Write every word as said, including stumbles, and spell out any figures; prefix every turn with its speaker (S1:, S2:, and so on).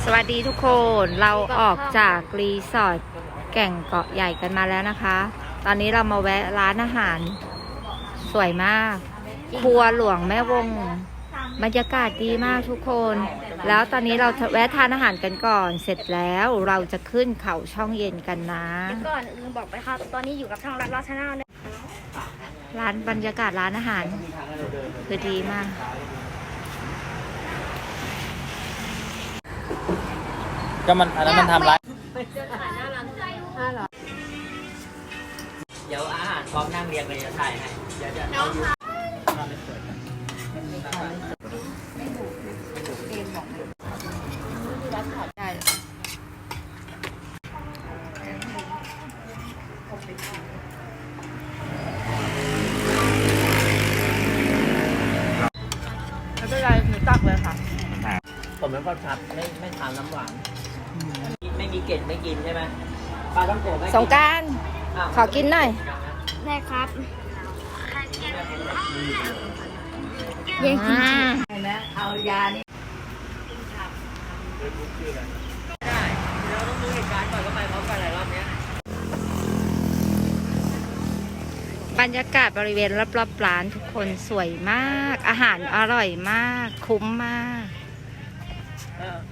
S1: สวัสดีทุกคนเราออกจากรีสอร์ทแก่งเกาะใหญ่กันมาแล้วนะคะตอนนี้เรามาแวะร้านอาหารสวยมากครัวหลวงแม่วงบรรยากาศดีมากทุกคนแล้วตอนนี้เราแวะทานอาหารกันก่อนเสร็จแล้วเราจะขึ้นเขาช่องเย็นกันนะ
S2: ก่อนลืมบอกไปครับตอนนี้อยู่กับทางรัฐราชนาเนี่ย
S1: ร้านบรรยากาศร้านอาหารคือดีมาก
S3: ก็มันอันนั้นมันทำร้ายเดี๋ยวอาหารพร้อมนั่งเรียงเลยจะถ่ายให้เดี๋ยวจะเอาอยู่
S1: ไม่เป็นไรหนูตักเลยค่ะ
S3: ผมเป็นคนชัดไม่ไม่ทานน้ำหวานไม่มีเกล็ดไม่กินใช่ไหมปลาต้องโกะไม่กิน
S1: สงกรานต์ขอกินหน่อย
S2: ได้ครับ
S1: เย้กิน
S3: ใช่ไหมเอายานี่ได้เราต้องดูเหตุการณ์ก่อนว่าไปพร้อมกันหลายรอบเนี้ย
S1: บรรยากาศบริเวณรอบๆร้านทุกคนสวยมากอาหารอร่อยมากคุ้มมาก